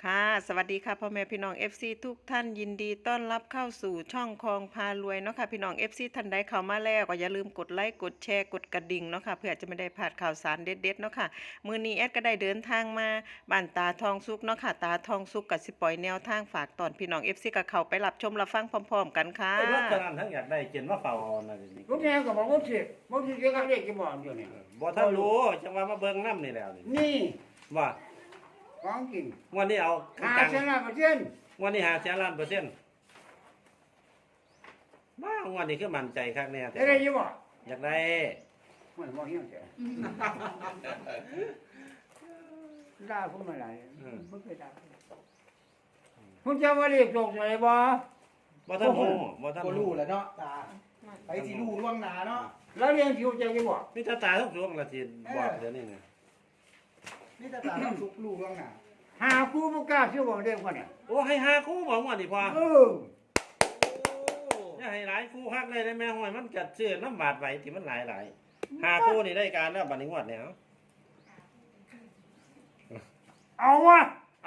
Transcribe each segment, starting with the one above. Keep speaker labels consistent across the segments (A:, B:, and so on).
A: ค่ะสวัสดีค่ะพ่อแม่พี่น้อง FC ทุกท่านยินดีต้อนรับเข้าสู่ช่องคลองพารวยเนาะค่ะพี่น้อง FC ท่านใดเข้ามาแล้วก็อย่าลืมกดไลค์กดแชร์กดกระดิ่งเนาะค่ะเพื่อจะไม่ได้พลาดข่าวสารเด็ดๆเนาะค่ะมื้อนี้แอดก็ได้เดินทางมาบ้านตาทองสุกเนาะค่ะตาทองสุกก็สิปล่อยแนวทางฝากตอนพี่น้อง FC ก็เข้าไปรับชมรับฟังพร้อมๆกันค่ะ
B: ไอ้รถจนั้นทั้งอยากได้เจนว่าเฝ้าเอานั่นนี่
C: ลูกแม่ก็บอกว่าสิบ่สิเกี่ยวกับเลขที่บอกอยู่นี่
B: บ่ทันรู้จังว่ามาเบิ่งน้ำนี่แล้วนี่
C: นี่
B: ว่า
C: ของจริง
B: วันนี้เอา
C: 50%
B: วันนี้หาแสนล้านเปอร์เซ็นต์บ้าวันนี้คือมั่นใจคักแน่แต่
C: ได้อยู่บ่
B: อยากได้
C: ไม่บ่เฮียงแต่ด่าผมมาหลายบ่เคยด่าคุณจะว่าเลขตกอะไรบ่
B: บ่ทันรู้บ่ทัน
D: ก็
B: รู้
D: รู้แหล้วเนาะตาไปสิรู้ล่วงหน้าเนาะ
C: แล้วเรียนสิรู้จักอยู่บ่
B: มีตาตาทุกดวงละสิบอกเดี๋ยวนี้นะ
D: นี่ตาต้องสุกรู้ล่วงหน้า
C: หาครูบ่กล้าซื้อบ่เด็กคนเนี่ย
B: โอ้ให้หาคู่บ่วันนี้พอ
C: เออ
B: อย่าให้หลายคู่ฮักเลยได้แม่ห้อยมันกัดชื่อน้ำบาดไหวที่มันหลายหาคู่นี่ได้การแล้วบัดนี้งวดแล้ว
C: เอาวะ
B: เอา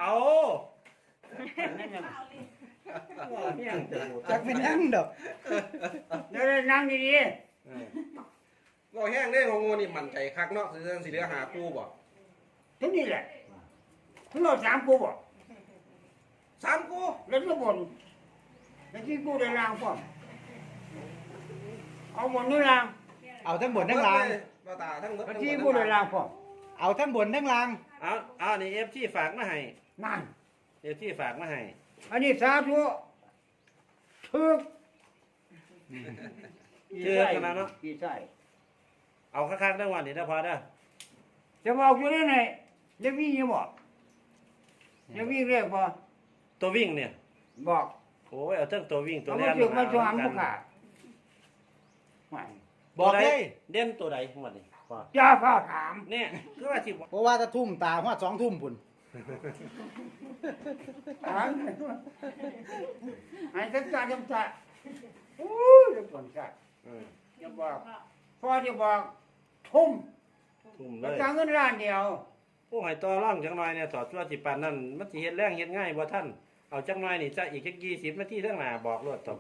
D: จักเป็นยังดอก
C: เดี๋ยวได้นั่งดี
E: เราแห้งได้ของงูนี่มั่นใจคักเนาะคือสิเหลือหาคู่บ่
C: ๆทั้งนี้แหละทั้งเรา3ครูบ่
E: สามคู่
C: แล้วก็บ่นแล้วที่กูได้ล่างพร้อมเอาบ่นนี่ล่าง
D: เอาทั้งบนทั้งล่าง
E: บ่ตาทั้งหมด
C: แล้วที่กูได้ล่างพร้อม
D: เอาทั้งบนทั้งล่าง
B: เอานี่เอฟที่ฝากมาให้
C: นั่น
B: เอฟที่ฝากมาให้
C: อันนี้สาธุถึก
B: ชื่อขนาดเนาะ
C: กี่ใส่
B: เอาคักๆได้วันนี้นะพอเด้อ
C: จะบอกอยู่ได้ไหนจะวิ่งยังบอกจะวิ่งเรียกพอ
B: ตัววิ่งเนี่ย
C: บอก
B: โอ้ยเอาเทั้งตัววิ่งตัว
C: เอา
B: แล่
C: มานถึกมาสวมผู้ขาไม่
D: บอกเลย
B: เด่นตัวใดหมดนี่พอ
C: จ้าฟ้าถาม
B: เนี่ยคือว่าสิบอก
D: เพราะว่าถ้าทุ่มตาฮอด2 ทุ่มพุ่น
C: ถามให้ทักษะจำษะโอ้ยเดี๋ยวก่อนชาจะบอกพ่อจะบอกทุ่ม
B: ทุ่มเล
C: แล้ว
B: ย
C: จ่ายเงินล้านเดียว
B: ผู้ให้ต่อร่องจังหน่อยเนี่ยสอดชั่วสิปานนั่นมันสิเฮ็ดแรงเฮ็ดง่ายบ่ท่านเอาจังหน่อยนี่จะอีกแค่20 นาทีทั้งหน้าบอกรถต่อไป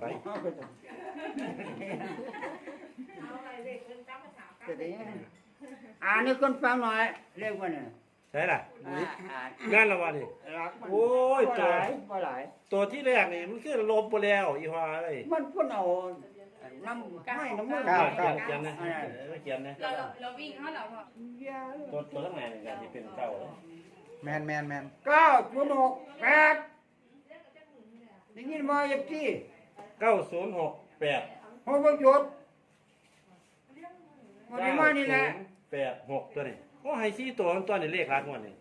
C: อ่านให้คนฟังหน่อยเรียกว่าเนี่ย
B: ใช่ล่ะ
C: อ่าน
B: งานละวันนี่
C: รักมัน
B: โอ้ย
C: บ่
B: ตัว
C: หลายบ่หลาย
B: ตัวที่แรกนี่มันคือลบบ่แล้วอีหว่าเอ้ย
C: มันพ่นเอาน้ำไม่น้ำมัน
B: เขียนนะเขียนนะ
F: เราวิ่งเขาเหรอพ่อ
B: ตัวทั้งหน้านี่ก็สิเป็นเก้าเลย
D: แมน
C: 9.68ได้ยินมาเย็บที่
B: 9068
C: หกประจุดมันได้มานี่แหละ
B: 9086ตัวนี้โอ้ให้4ตัวมันตัวนี้เลขหลักงวดนี่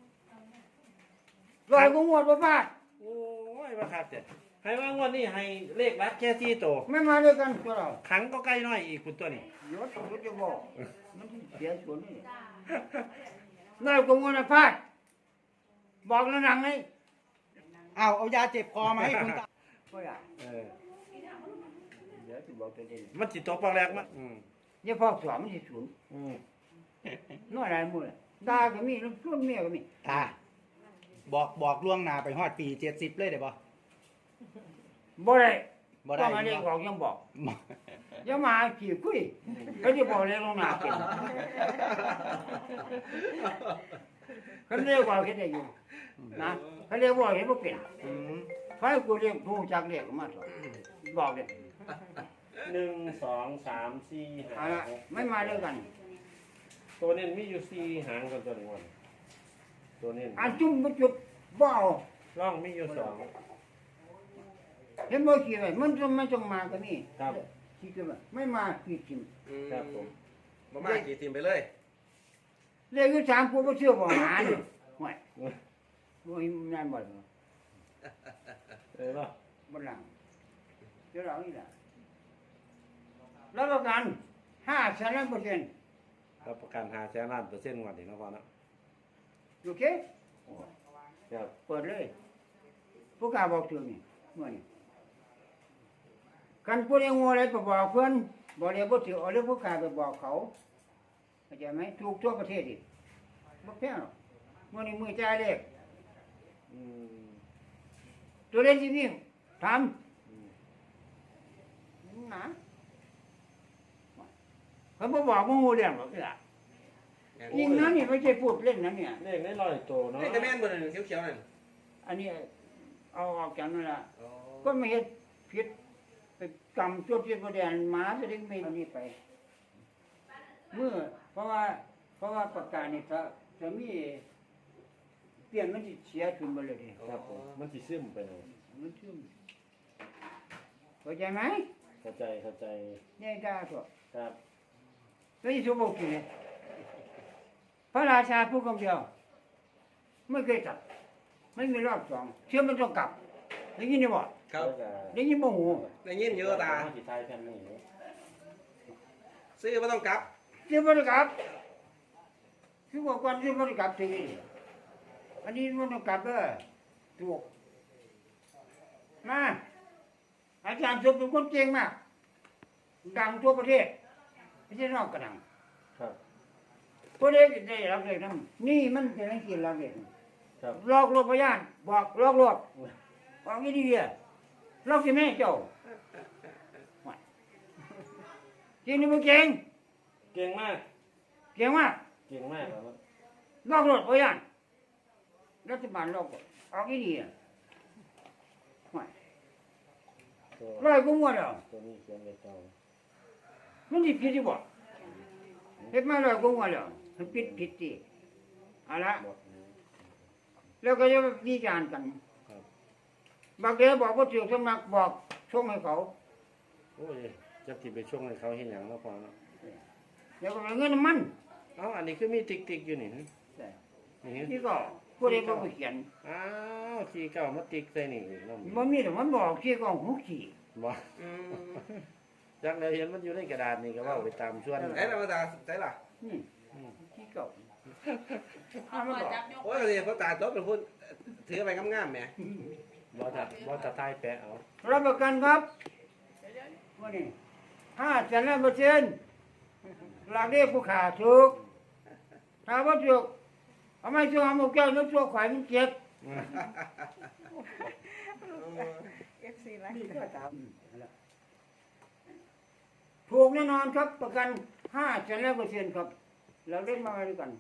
C: ลอยกูงวดบ่ฟาด
B: โอ้ยว่าครับเจ้ให้ว่างวดนี้ให้เลขหลักแค่4ตัว
C: ไม่มาด้วยกันตัวเรา
B: ขังก็ใกล้น้อยอีกคุณตัวนี้
C: ยศจะบอกมันเสียส่วนนี่ลอยกูงวดน่ะฟาดบอกแล้วหนังนี่
D: เอายาเจ็บคอมาให้คุณตา
C: บ่ได้
B: เออ
C: เดี๋ยวสิบอกตัวเอง
B: มันสิตกปากแรกมั้ย
C: อย่าพอกสอนมันสิสูญน้อยหลายมื้อด่าก็มีลูกชวนเมียก็มี
D: ตาบอกล่วงหน้าไปฮอดปี70เลยได้บ่
C: บ่ได้
D: บ่ได้
C: ต้องอันนี้บอกยังบอกอย่ามาขี้คุยเขาจะบอกเลยลงหน้าเป็นเขาเรียกว่าเฮ็ดได้อยู่นะเขาเรียกว่าเฮ็ดบ่เป็น
D: อืม
C: ไฟกูเรียกผู้จักเรียกมาสอนบอกเลย
B: 1 2 3 4
C: เอาละ
B: 5
C: ไม่มาด้วยกัน
B: ตัวนี้มีอยู่4หางกันตัวนี้วันตัวนี้
C: อันจุ่มบ่จุดบ่เอา
B: ร่องมีอยู่2
C: เห็นบ่ขี้ไว้มันจะไม่ต้องมาก็มี
B: ครับ
C: ขี้ก็ว่าไม่มาขี้กิน
B: ครับผม
E: บ่มากี่ทีมไปเลย
C: เรียกอยู่3กูบ่เชื่อบ่หานี่ห่วยบ่มีนั่นบ่เหรอ
B: เนาะ
C: บ่หลังเดี๋ยวเรานี่ล่ะแล้วประกัน5%
B: รับประกัน5แสนล้านเปอร์เซ็นต์งวดนี้เนาะพ่อเนาะ
C: โอเค
B: ครับ
C: เปิดเลยผู้กล้าบอกถึงนี่มื้อนี้กันผู้ใดงัวอะไรไปบอกเพิ่นบ่ได้บ่ถือเอาเรื่องผู้กล้าไปบอกเขาเข้าใจไหมถูกทั่วประเทศอีกบ่แพงหรอกมื้อนี้มื้อจ่ายเลข
B: อืม
C: ตัวเล่นที่วิ่งทำนะเขาบอกว่างูเรื่องหรอกล่ะยิงนั้นนี่ไม่ใช่พูดเล่นนะเนี่ย
B: เลขได้ร้อยตัวเนาะ
E: นี่แต่แม่นบ่นั่นเขียวๆนั่น
C: อันนี้เอาออกจากนั่นละ
E: อ๋อ
C: ก็ไม่เห็นผิดไปกำตัวเทียนประเดียนหมาจะได้ไม่เอานี่ไป เมื่อเพราะว่าประกาศนี่ถ้ามีเปลี่ยนมันจะเสียขึ้นมาเลยดิ
B: ครับผมมันสิซึมไปเลย
C: มันชื่อเข้าใจไหม
B: เข้าใจ
C: นี่ได้ก็
B: ครับ
C: แล้วยี่สิบหกกี่เนี่ยพระราชาผู้กำเดียวไม่เคยกลับไม่มีรอบสองเชื่อมันต้องกลับได้ยินไหมบ่
E: ครับ
C: ได้ยินบ่หู
E: ได้ยินเยอะตา
B: สิทายแผ่นนี้
E: ซื้อบ่ต้องกลับ
C: เชื่อมันต้องกลับคือบอกวันเชื่อมันต้องกลับทีนี้อันนี้มันต้องกลับเด้อถูกมาอาจารย์สุเป็นคนเก่งมากดังทั่วประเทศไม่ใช่นอกกระดัง
B: ครับ
C: ผู้เด็กได้รับเลยทั้งนี่มันจะไม่กินรับเลย
B: ครับ
C: ลอกลวงพยานบอกลอกลวงบอกงี้ดีเดียลอกที่แม่เจ้าจริงหรือไม่เก่ง
B: เก่งมาก
C: เก่งมาก
B: เก่งมากครับ
C: ลอกลวงพยานรัฐบาลลอกออกงี้ดีอ่ะ
B: ตัว
C: ร้อยกูมัวแล้ว
B: ตัวนี้เขียนไว้เก่า
C: มันผิดที่บ่เฮ็ดมาร้อยกูมัวแล้วมันผิดสิเอาละ
B: หมดนี้
C: แล้วก็จะวิจารณ์กัน
B: ครับ
C: บางเดียวบอกว่าถูกสมัครบอกส่งให้เขา
B: โอ้ยจักสิไปช่วงให้เขาเฮ็ดหยังเนาะพอเนาะ
C: เดี๋ยวก็เอาเงินมัน
B: เอ้าอันนี้คือมีติ๊กๆอยู่นี่นี่
C: ที่ก็ผู้ใดบอกไปเขียน
B: อ้าวขี้เก่ามาติ๊กใส่นี่อีกเนาะ
C: มันมีแต่มันบอกที่กองหูขี่
B: บ่
E: อืม
B: จักแล้วเห็นมันอยู่ในกระดาษนี่ก็เว้าไปตามส่วน
E: ไอ้ธรรมดาใช่ล่ะ
C: นี่ที่เก่า
F: เอาพอจับยก
E: โอ้ยเดี๋ยวเขาตาจบเป็นพูดถือไปงามๆแหม
B: บ่ถ้าทายแปะเอา
C: รับประกันครับว่านี่5%หลักเรียกผู้ขาถูกถ้าว่าถูกเอาไม่ถูกเอาหมกแก้วนึกตัวข่อยมันเจ็บ
A: FC ไล
C: นี่
A: ฟ์
C: ก็ตามถูกแน่นอนครับประกัน5%ครับเราเล่นมาด้วยกัน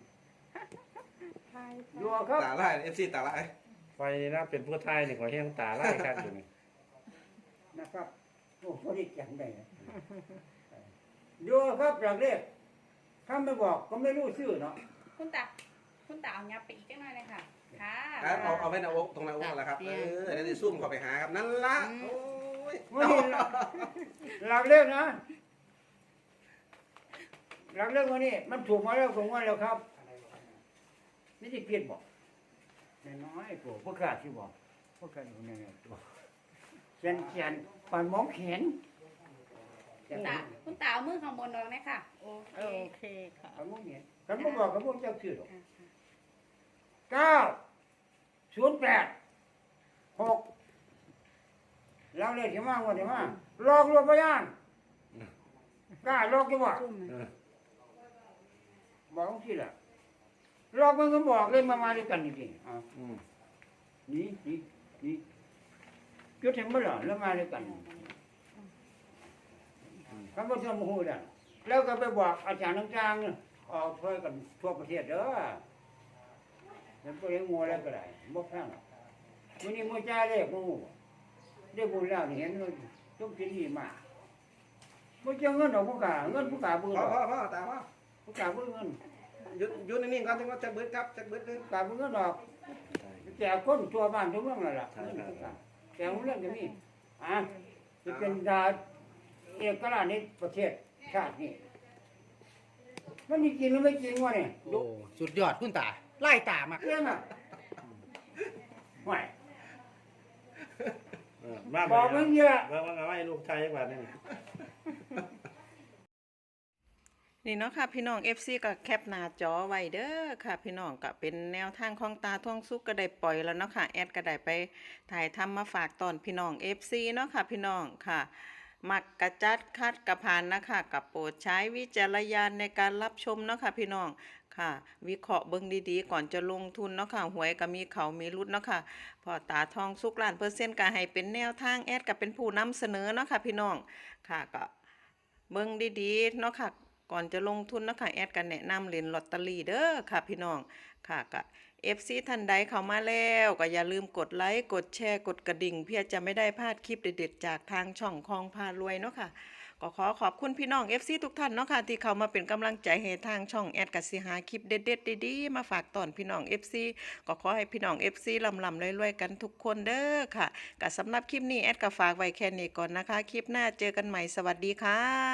C: อยู่ครับ
E: ตาลาย FC ตาลาย
B: ไฟนี่นะเป็นผู้ทายนี่ขอแห้งตาไล่คักอยู่นี่
C: นะครับโอ้พอดีจำได้นะอยู่ครับหลักเรียกถ้าไม่บอกก็ไม่รู้ชื่อเนาะ
F: คุณตาเอายับไปอีกจังหน่อยเลยค่ะ ค่ะ
E: เอาไว้หน้าอกตรงหน้าอกนั่นแหละครับเดี๋ยวจะซุ่มเข้าไปหาครับนั่นละโอ้ย
C: ไม่เห็นหลักเรียกนะหลักเรียกวันนี้มันถูกมาแล้วผมว่าแล้วครับนี่จะเปลี่ยนบอกน้อยๆตัวพวกข้าที่บอกพวกข้าอยู่ในตัวเขียนปานมองเห็น
F: คุณตาเอามือข้างบนลงนะค่ะโอเค
A: โอเคค่ะ
C: ปานมองเห็นกันบ่บอกกับพวกเจ้าชื่อหรอก 908 6เราเลยที่มาวันที่มาลอกลวงพยานกล้าลอกกี่บ่บอกที่ละลอกมันก็บอกเลยมาด้วยกันนี่ๆ
B: อืม
C: นี่จุดเห็นมั้ยล่ะแล้วมาด้วยกันคำว่าทำหูดันแล้วก็ไปบอกอาจารย์ต่างๆออกช่วยกันทั่วประเทศเด้อแล้วก็เลี้ยงงูแล้วก็ได้บ่แพงวันนี้มือจ่ายเลขงูได้บุญแล้วนี่เห็นเลยต้องกินดีมากบ่เจอเงินดอกผู้กาเงินผู้กาบ่
E: พ่
C: ด
E: อ
C: อก
E: พ่อตาพ่อ
C: ผู้กาบ่เงิน
E: หยุดนิ่งๆก่อนถึงว่าจะเบิดครับจะเบิดเลย
C: ผู้กาบ่เงินดอกแจกคนทั่วบ้านทั่วเมืองนั่นล่ะเงินผู้กาแจกเรื่องก็มีจะเป็นดาเอกราชในประเทศชาตินี้มันมีจริงหรือไม่จริงวะเนี่ย
D: โอ้สุดยอดคุณตาไล่ตามาก
C: เรื่องอ่ะไม่
B: มา
C: บอกมึงเยอะ
B: ว่าเอาไว้ลูกชายจังหวัดนี่
A: นี่เนาะค่ะพี่น้อง FC ก็แคปหน้าจอไว้เด้อค่ะพี่น้องก็เป็นแนวทางของตาท่องสุกก็ได้ปล่อยแล้วเนาะค่ะแอดก็ได้ไปถ่ายทำมาฝากตอนพี่น้อง FC เนาะค่ะพี่น้องค่ะ มักกระจัดคัดกระพานนะคะกับโปรดใช้วิจารณญาณในการรับชมเนาะค่ะพี่น้องค่ะ วิเคราะห์เบิ่งดีๆก่อนจะลงทุนเนาะค่ะหวยก็มีเขามีรุดเนาะค่ะพอตาทองสุกล้านเปอร์เซ็นต์ก็ให้เป็นแนวทางแอดก็เป็นผู้นำเสนอเนาะค่ะพี่น้องค่ะก็เบิ่งดีๆเนาะค่ะก่อนจะลงทุนเนาะค่ะแอดก็แนะนำเล่นลอตเตอรี่เด้อค่ะพี่น้องค่ะก็ FC ท่านใดเข้ามาแล้วก็อย่าลืมกดไลค์กดแชร์กดกระดิ่งเพื่อจะไม่ได้พลาดคลิปเด็ดๆจากทางช่องคลองพารวยเนาะค่ะก็ขอขอบคุณพี่น้อง FC ทุกท่านเนาะค่ะที่เข้ามาเป็นกำลังใจให้ทางช่องแอดกสิหาคลิปเด็ดๆดีๆมาฝากตอนพี่น้อง FC ก็ขอให้พี่น้อง FC ลำๆรวยๆกันทุกคนเด้อค่ะก็สำหรับคลิปนี้แอดก็ฝากไว้แค่นี้ก่อนนะคะคลิปหน้าเจอกันใหม่สวัสดีค่ะ